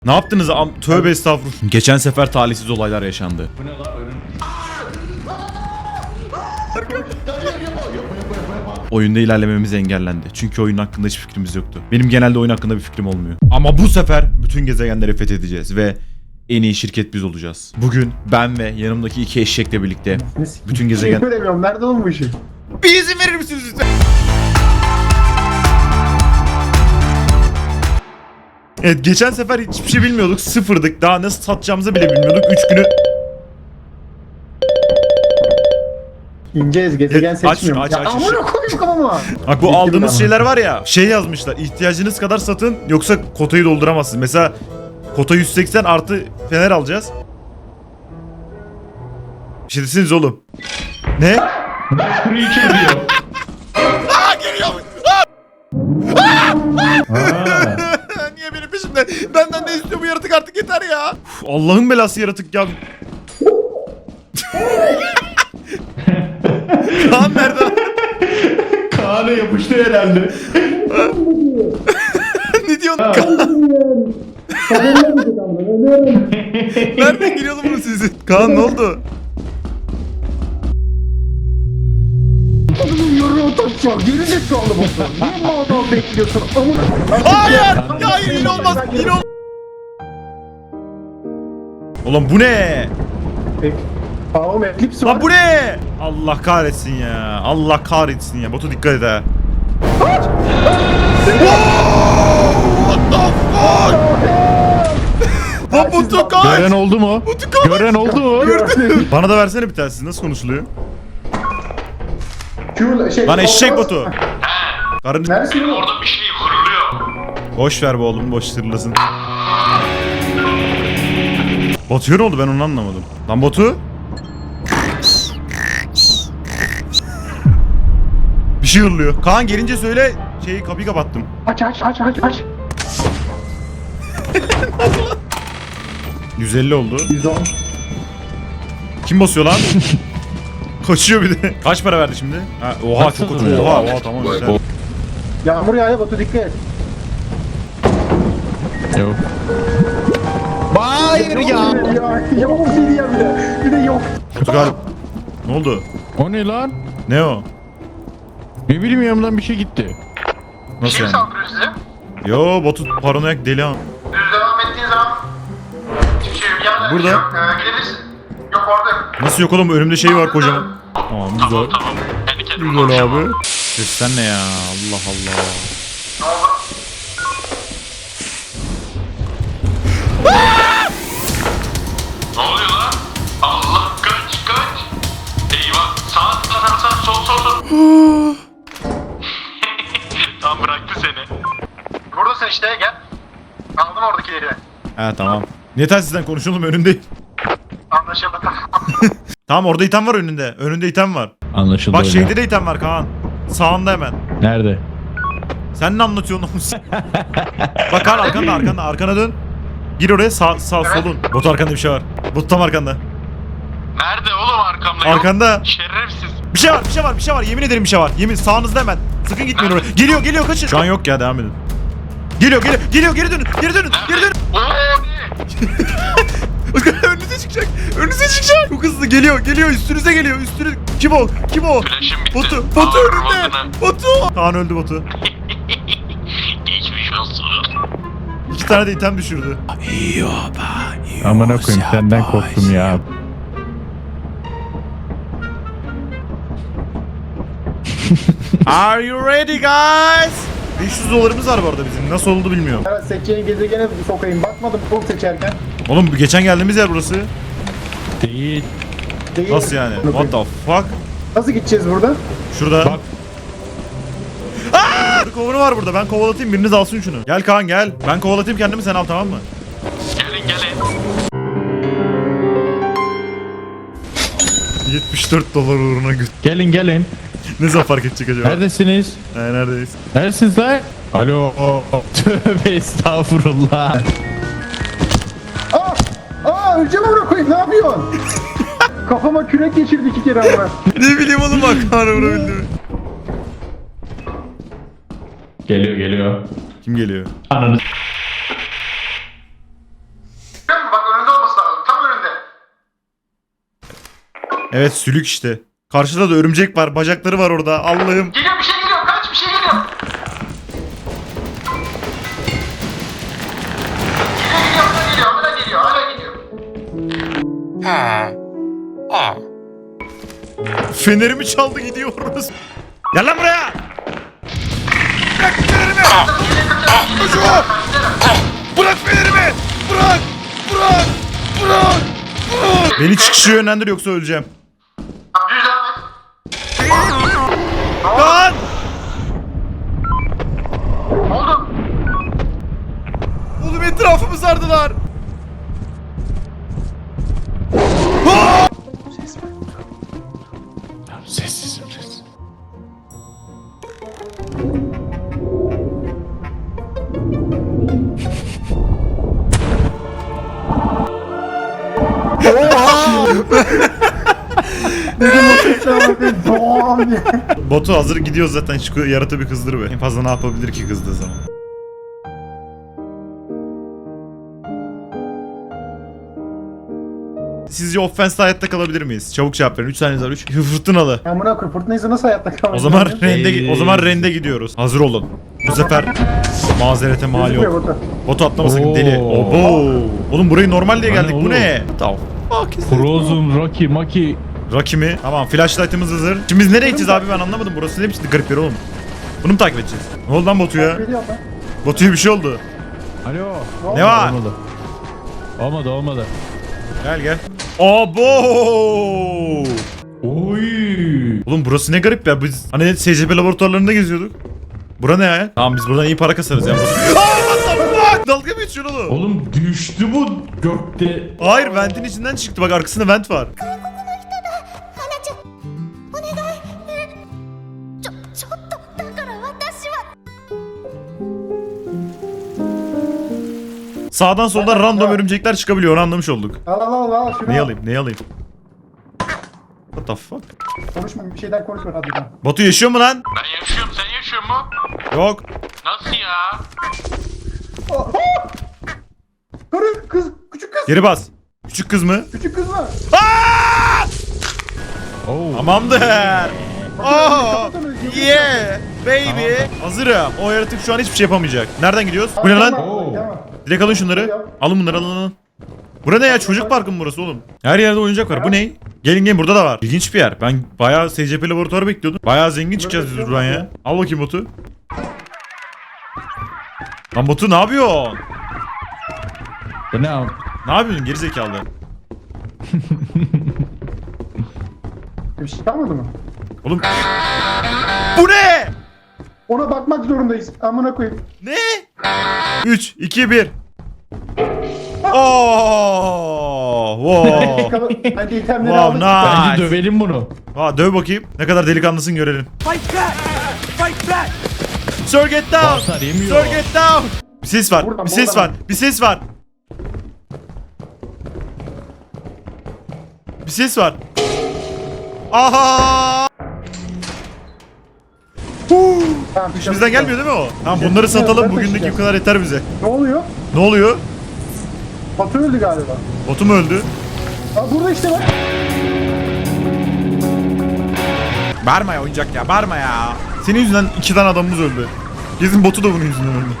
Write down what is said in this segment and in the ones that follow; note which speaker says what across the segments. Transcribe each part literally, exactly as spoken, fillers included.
Speaker 1: Ne yaptınız? Am Tövbe estağfurullah. Geçen sefer talihsiz olaylar yaşandı.
Speaker 2: Bu ne lan önüm?
Speaker 1: Oyunda ilerlememiz engellendi. Çünkü oyun hakkında hiçbir fikrimiz yoktu. Benim genelde oyun hakkında bir fikrim olmuyor. Ama bu sefer bütün gezegenleri fethedeceğiz ve en iyi şirket biz olacağız. Bugün ben ve yanımdaki iki eşekle birlikte bütün gezegen...
Speaker 3: Şey göremiyorum. Nerede oğlum bu işi?
Speaker 1: Bir izin verir misiniz lütfen? Evet, geçen sefer hiçbir şey bilmiyorduk. Sıfırdık. Daha nasıl satacağımızı bile bilmiyorduk. Üç günü...
Speaker 3: İneceğiz. Gezegen
Speaker 1: Aç,
Speaker 3: seçmiyorum.
Speaker 1: aç,
Speaker 3: Ya
Speaker 1: aç, aç.
Speaker 3: amına koyayım kafama.
Speaker 1: Bak bu
Speaker 3: Bitti
Speaker 1: aldığımız
Speaker 3: bir
Speaker 1: şeyler var ya, şey yazmışlar, ihtiyacınız kadar satın yoksa kotayı dolduramazsınız. Mesela kota yüz seksen artı fener alacağız. Bir şey desiniz oğlum. Ne?
Speaker 2: Kuru içi diyor.
Speaker 1: Aa, geliyor. Niye benim peşimde? Benden ne istiyor bu yaratık, artık yeter ya. Uf, Allah'ın belası yaratık ya. Kaan nerede?
Speaker 2: Kaan'a yapıştı herhalde.
Speaker 1: Ne diyorsun Kaan? Nereden geliyor oğlum bu sizi? Kaan ne oldu?
Speaker 3: Adamın yoruğu taşıyor. Geri zekalı bu. Niye bu adamı bekliyorsun? Amına.
Speaker 1: Hayır! Ya hayır, yine olmaz. Yine olmaz. Oğlum bu ne?
Speaker 3: Tamam Eclipse var.
Speaker 1: Lan bu ne? Allah kahretsin ya. Allah kahretsin ya. Batu dikkat et ha. What the fuck? Lan Batu kaç.
Speaker 2: Gören oldu mu?
Speaker 1: Batu kaç.
Speaker 2: Gören oldu mu?
Speaker 1: Bana da versene bir tanesi. Nasıl konuşuluyor?
Speaker 3: Q şey.
Speaker 1: Lan eşek Batu. Karın...
Speaker 3: Neresin oğlum?
Speaker 4: Orada bir şey hırlıyor.
Speaker 1: Boş ver be oğlum. Boş tırlasın. Batu'ya ne oldu? Ben onu anlamadım. Lan Batu. Bir şey hırlıyor. Kaan gelince söyle. Şeyi, kapıyı kapattım.
Speaker 3: Aç aç aç aç aç.
Speaker 1: yüz elli oldu.
Speaker 3: yüz on.
Speaker 1: Kim basıyor lan? Kaçıyor bir de. Kaç para verdi şimdi? Ha, oha çok kötü. Oha oha tamam güzel.
Speaker 3: Yağmur yağıyor Batu dikkat et.
Speaker 2: Yok. Hayır ya.
Speaker 3: Ya yok bir şey diyeyim bir de. Bir de yok.
Speaker 1: Batu galiba. Ne oldu?
Speaker 2: O ne lan?
Speaker 1: Ne o?
Speaker 2: Ne bileyim yanımdan bir şey gitti.
Speaker 1: Nasıl
Speaker 4: Kim
Speaker 1: yani?
Speaker 4: saldırıyor size?
Speaker 1: Yo Batu paranoyak deli ha.
Speaker 4: Düz devam ettiğin zaman hiçbir şey yok. Yani
Speaker 1: Burada.
Speaker 4: Yok, ee, gidebilirsin. Yok orada.
Speaker 1: Nasıl yok oğlum, önümde şey var kocaman. Tamam güzel.
Speaker 4: Tamam tamam. Kendi kendime
Speaker 1: Güzel
Speaker 4: konuşuyorum.
Speaker 1: abi. Sesten ne ya? Allah Allah.
Speaker 4: Ne oldu? Ne oluyor lan? Allah kaç kaç. Eyvah. Sağ sağ sağ sol sol sol. Tam bıraktı seni. Buradasın işte gel. Aldım oradakileri.
Speaker 1: He tamam. Ne telsizden konuşalım, önündeyim.
Speaker 4: Anlaşıldı.
Speaker 1: Tamam, orada item var önünde. Önünde item var.
Speaker 2: Anlaşıldı
Speaker 1: Bak
Speaker 2: öyle.
Speaker 1: şeyde de item var Kaan. Sağında hemen.
Speaker 2: Nerede?
Speaker 1: Sen ne anlatıyorsun oğlum? Bak Kaan arkanda arkanda arkana dön. Gir oraya, sağ sağ
Speaker 4: Evet.
Speaker 1: solun. Bot arkanda bir şey var. Bot tam arkanda.
Speaker 4: Nerede oğlum arkamda? Yok.
Speaker 1: Arkanda.
Speaker 4: Şerefsiz.
Speaker 1: Bir şey var, bir şey var, bir şey var. Yemin ederim bir şey var. Yemin, sağınızda hemen. Sakın gitmeyin oraya. Geliyor, geliyor, kaçın. Şu an yok ya, devam edin. Geliyor, geliyor, geliyor, geri dönün, geri dönün, geri dönün.
Speaker 4: Oo ne?
Speaker 1: Önünüze çıkacak, önünüze çıkacak. Çok hızlı geliyor, geliyor, üstünüze geliyor, üstünüz. Kim o, kim o?
Speaker 4: Flash'ım bitti.
Speaker 1: Batu, Batu
Speaker 4: Aa,
Speaker 1: önünde.
Speaker 4: Rodun'a.
Speaker 1: Batu. Kaan öldü Batu.
Speaker 4: Geçmiş olsun.
Speaker 1: İki tane de item düşürdü.
Speaker 2: Amına koyayım senden korktum ya.
Speaker 1: Are you ready guys? beş yüz dolarımız var bu arada bizim. Nasıl oldu bilmiyorum.
Speaker 3: Evet seçeceğin gezegene bir sokayım. Bakmadım full seçerken.
Speaker 1: Oğlum bu geçen geldiğimiz yer burası.
Speaker 2: Değil.
Speaker 3: Değil.
Speaker 1: Nasıl yani? What the fuck?
Speaker 3: Nasıl gideceğiz burada?
Speaker 1: Şurada.
Speaker 2: Bak.
Speaker 1: Aaa! Kovunu var burada. Ben kovalatayım, biriniz alsın şunu. Gel Kaan gel. Ben kovalatayım kendimi, sen al, tamam mı?
Speaker 4: Gelin gelin.
Speaker 1: yetmiş dört dolar uğruna göt.
Speaker 2: Gelin gelin.
Speaker 1: Ne zaman fark edecek acaba?
Speaker 2: Neredesiniz?
Speaker 1: He, neredeyiz?
Speaker 2: Neredesiniz lan? Alo. Tövbe estağfurullah.
Speaker 3: Aa! Aa öleceğim amına koyayım. Ne yapıyorsun? Kafama kürek geçirdi iki kere ama.
Speaker 1: Ne bileyim oğlum, bak Kaan'ı vurabildi mi?
Speaker 2: Geliyor geliyor.
Speaker 1: Kim geliyor?
Speaker 2: Ananı.
Speaker 1: Evet sülük işte. Karşıda da örümcek var. Bacakları var orada. Allah'ım.
Speaker 4: Geliyor bir şey geliyor. Kaç bir şey geliyor. Geliyor geliyor. Hala geliyor. Hala geliyor. Hala geliyor.
Speaker 1: Fenerimi çaldı gidiyoruz. Gel lan buraya. Bırak fenerimi. Koşma. Bırak fenerimi. Bırak. Bırak. Bırak. Bırak. Beni çıkışı yönlendir yoksa öleceğim.
Speaker 4: Düz devam et.
Speaker 1: Lan.
Speaker 4: Ne oldu?
Speaker 1: Oğlum etrafımı sardılar.
Speaker 2: Sessiz sessiz.
Speaker 3: Doğan diye.
Speaker 1: Batu hazır gidiyoruz zaten, şu yaratığı bir kızdır be. En fazla ne yapabilir ki kızdığı zaman? Sizce offense'de hayatta kalabilir miyiz? Çabuk cevap verin. üç saniyeniz var. üç. Fırtınalı.
Speaker 3: Amına koyayım fırtınaysa nasıl hayatta kalmak?
Speaker 1: O zaman rende
Speaker 2: Ey.
Speaker 1: o zaman rende gidiyoruz. Hazır olun. Bu sefer mazerete mal
Speaker 3: Gözükmüyor
Speaker 1: yok.
Speaker 3: Batu.
Speaker 1: Botu atlamasın
Speaker 2: Oo.
Speaker 1: deli. Obo. Oğlum burayı normal diye
Speaker 2: Lan
Speaker 1: geldik. Bu
Speaker 2: oğlum.
Speaker 1: ne? Tamam.
Speaker 2: Frozen, Rocky, Maki.
Speaker 1: Rocky mi? Tamam, flashlight'ımız hazır. Şimdi biz nereye gideceğiz abi, ben anlamadım. Burası ne biçim garip yer oğlum. Bunu mu takip edeceğiz? Ne oldu lan Batu'ya?
Speaker 3: Biliyorum ben.
Speaker 1: Batu'ya bir şey oldu.
Speaker 2: Alo.
Speaker 1: Ne var?
Speaker 2: Olmadı. Olmadı olmadı.
Speaker 1: Gel gel. Abo!
Speaker 2: Oy.
Speaker 1: Oğlum burası ne garip ya. Biz hani S C P laboratuvarlarında geziyorduk. Bura ne ya? Tamam biz buradan iyi para kasarız ya. Aa, what the fuck? Dalga mı geçiyorsun oğlum?
Speaker 2: Oğlum düştü bu gökte.
Speaker 1: Hayır, ventin içinden çıktı. Bak arkasında vent var.
Speaker 5: 花ちゃんお願いちょちょっとだから私は
Speaker 1: Sağdan soldan random örümcekler çıkabiliyor. Onu anlamış olduk.
Speaker 3: Al al al al şunu.
Speaker 1: Neyi
Speaker 3: al.
Speaker 1: alayım? Neyi alayım? What the fuck?
Speaker 3: Konuşma bir şeyden konuşma hadi lan.
Speaker 1: Batu yaşıyor mu lan?
Speaker 4: Ben yaşıyorum. Sen yaşıyor mu?
Speaker 1: Yok.
Speaker 4: Nasıl ya?
Speaker 3: Aa! Karı kız küçük kız.
Speaker 1: Geri bas. Küçük kız mı?
Speaker 3: Küçük kız var.
Speaker 2: Oo.
Speaker 1: Tamamdır. Oh, yeah, baby. Hazırım. O yaratık şu an hiçbir şey yapamayacak. Nereden gidiyoruz? Bu ne lan?
Speaker 2: Oo.
Speaker 1: Direkt alın şunları. Alın bunları, alın alın. Bura ne ya? Çocuk parkı mı burası oğlum? Her yerde oyuncak var. Bu ne? Gelin gelin, burada da var. İlginç bir yer. Ben bayağı S C P laboratuvarı bekliyordum. Bayağı zengin çıkacağız biz buradan ya. Al bakayım Batu. Lan Batu ne yapıyorsun?
Speaker 2: Bu ne abi?
Speaker 1: Ne yapıyorsun gerizekalı?
Speaker 3: Bir şey kalmadı mı?
Speaker 1: Oğlum. Bu ne?
Speaker 3: Ona bakmak zorundayız. Amına koyayım.
Speaker 1: Ne? üç, iki, bir. Oh, wow.
Speaker 3: Kalı- Hadi itemleri
Speaker 1: Wow,
Speaker 3: aldık.
Speaker 1: nice.
Speaker 2: Bence dövelim bunu.
Speaker 1: Aa, döv bakayım. Ne kadar delikanlısın görelim. Fight back! Fight back! Sir get down!
Speaker 2: Basar yemiyor.
Speaker 1: Sir get down! Bir ses var.
Speaker 3: Buradan,
Speaker 1: bir ses
Speaker 3: buradan.
Speaker 1: var. Bir ses var. Bir ses var. Aha! Huu!
Speaker 3: Tamam,
Speaker 1: İşimizden gelmiyor değil mi o? Tamam bunları satalım. Bugünlük bu kadar yeter bize.
Speaker 3: Ne oluyor?
Speaker 1: Ne oluyor?
Speaker 3: Batu öldü galiba.
Speaker 1: Batu mu öldü?
Speaker 3: Aa, burada işte bak.
Speaker 1: Bağırma ya oyuncak ya, bağırma ya. Senin yüzünden iki tane adamımız öldü. Kesin Batu da bunun yüzünden öldü.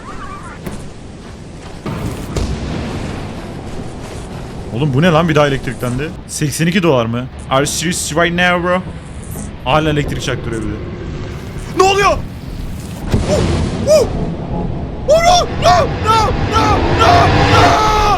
Speaker 1: Oğlum bu ne lan, bir daha elektriklendi. seksen iki dolar mı? Are you serious right now bro? Hala elektrik çaktırıyor bir de. Ne oluyor? Oh, oh. Oh, no, no, no, no, no, no.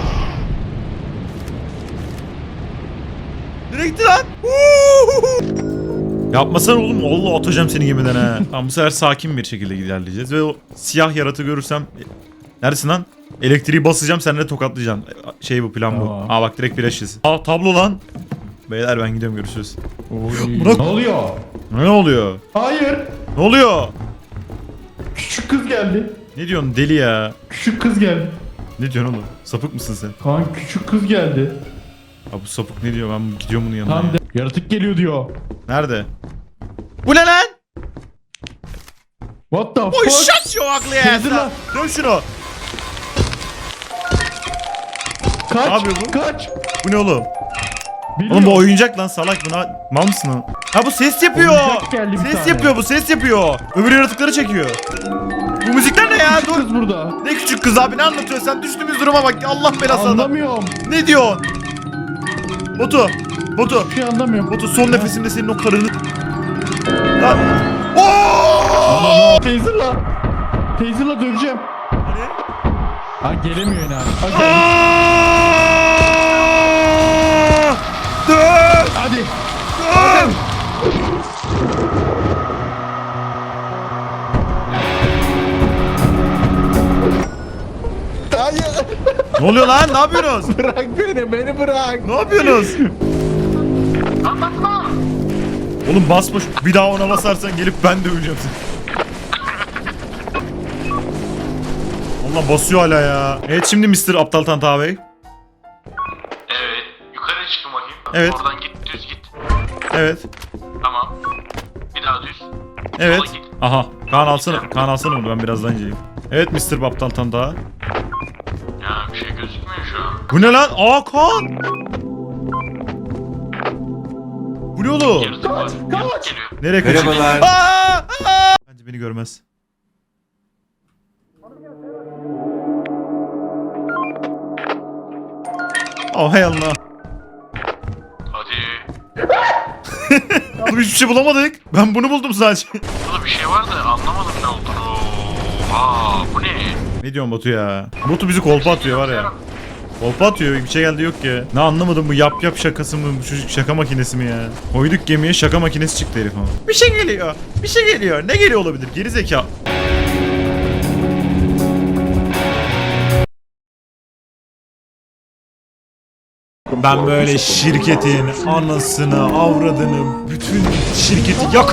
Speaker 1: Nereye gitti lan? Yapmasana oğlum. Allah atacağım seni gemiden ha. Tamam bu sefer sakin bir şekilde ilerleyeceğiz ve o siyah yaratığı görürsem... Neredesin lan? Elektriği basacağım, sen de tokatlayacaksın. Şey bu, plan bu.
Speaker 2: Tamam.
Speaker 1: Aa bak direkt flash izi. Aa tablo lan. Beyler ben gidiyorum, görüşürüz.
Speaker 2: Oy.
Speaker 1: Bırak.
Speaker 2: Ne oluyor?
Speaker 1: Ne oluyor?
Speaker 2: Hayır.
Speaker 1: Ne oluyor?
Speaker 2: Küçük kız geldi.
Speaker 1: Ne diyorsun deli ya?
Speaker 2: Küçük kız geldi.
Speaker 1: Ne diyorsun oğlum? Sapık mısın sen?
Speaker 2: Kaan küçük kız geldi.
Speaker 1: Abi bu sapık ne diyor? Ben gidiyorum bunun yanına.
Speaker 2: Tam
Speaker 1: ya.
Speaker 2: de yaratık geliyor diyor.
Speaker 1: Nerede? Bu ne lan?
Speaker 2: What the
Speaker 1: Oy
Speaker 2: fuck?
Speaker 1: shut your ugly ass
Speaker 2: Sevdim
Speaker 1: lan.
Speaker 2: lan.
Speaker 1: Dön şunu.
Speaker 2: Kaç.
Speaker 1: Ne yapıyor bu?
Speaker 2: Kaç.
Speaker 1: Bu ne oğlum?
Speaker 2: Biliyor.
Speaker 1: Oğlum bu oyuncak lan salak buna. Mal mısın lan? Ha bu ses yapıyor.
Speaker 2: Oyuncak geldi bir
Speaker 1: Ses
Speaker 2: tane.
Speaker 1: yapıyor bu ses yapıyor. Öbür yaratıkları çekiyor. Bu müzikler ne ya? Dur.
Speaker 2: Kız burada.
Speaker 1: Ne küçük kız abi ne anlatıyorsun sen? Düştüğümüz duruma bak. Allah belası adam.
Speaker 2: Anlamıyorum.
Speaker 1: Ne diyor? Botu. Botu.
Speaker 2: Bir şey anlamıyorum.
Speaker 1: Botu son nefesinde senin o karını... Lan. Oo!
Speaker 2: Taser'la. Taser'la döveceğim.
Speaker 1: Hani?
Speaker 2: Ha gelemiyor yine abi. Ha, gel.
Speaker 1: Aa! Dön!
Speaker 2: Hadi.
Speaker 1: Dön!
Speaker 2: Hayır.
Speaker 1: Ne oluyor lan? Ne yapıyorsunuz?
Speaker 2: Bırak beni. Beni bırak.
Speaker 1: Ne yapıyorsunuz? Oğlum basma şu- bir daha ona basarsan gelip ben döveceğim seni. Allah basıyor hala ya. Evet şimdi mister Aptal Tanta Bey.
Speaker 4: Evet. Yukarı çıkın bakayım.
Speaker 1: Evet.
Speaker 4: Oradan git düz git.
Speaker 1: Evet.
Speaker 4: Tamam. Bir daha düz.
Speaker 1: Evet.
Speaker 4: Sola git.
Speaker 1: Aha. Kaan alsana. Kaan alsana bunu ben birazdan inceleyeyim. Evet mister Aptal Tanta.
Speaker 4: Ya bir şey gözükmüyor şu an.
Speaker 1: Bu ne lan? Aa Kaan. Bu ne oğlum?
Speaker 4: Yaratık var. Yaratık geliyor.
Speaker 1: Nereye kaçıyor?
Speaker 6: Merhabalar.
Speaker 1: Aa! Aa! Bence beni görmez. Oh hay Allah.
Speaker 4: Hadi.
Speaker 1: Oğlum hiçbir şey bulamadık. Ben bunu buldum sadece.
Speaker 4: Burada bir şey var da anlamadım ne olduğunu. Aa bu ne?
Speaker 1: Ne diyorsun Batu ya? Batu bizi kolpa atıyor var ya. Kolpa atıyor bir şey geldi yok ya. Ne anlamadım bu yap yap şakası mı bu çocuk şaka makinesi mi ya? Koyduk gemiye şaka makinesi çıktı herif ama. Bir şey geliyor. Bir şey geliyor. Ne geliyor olabilir? Geri zeka. Ben böyle şirketin anasını, avradını, bütün şirketi yakarım.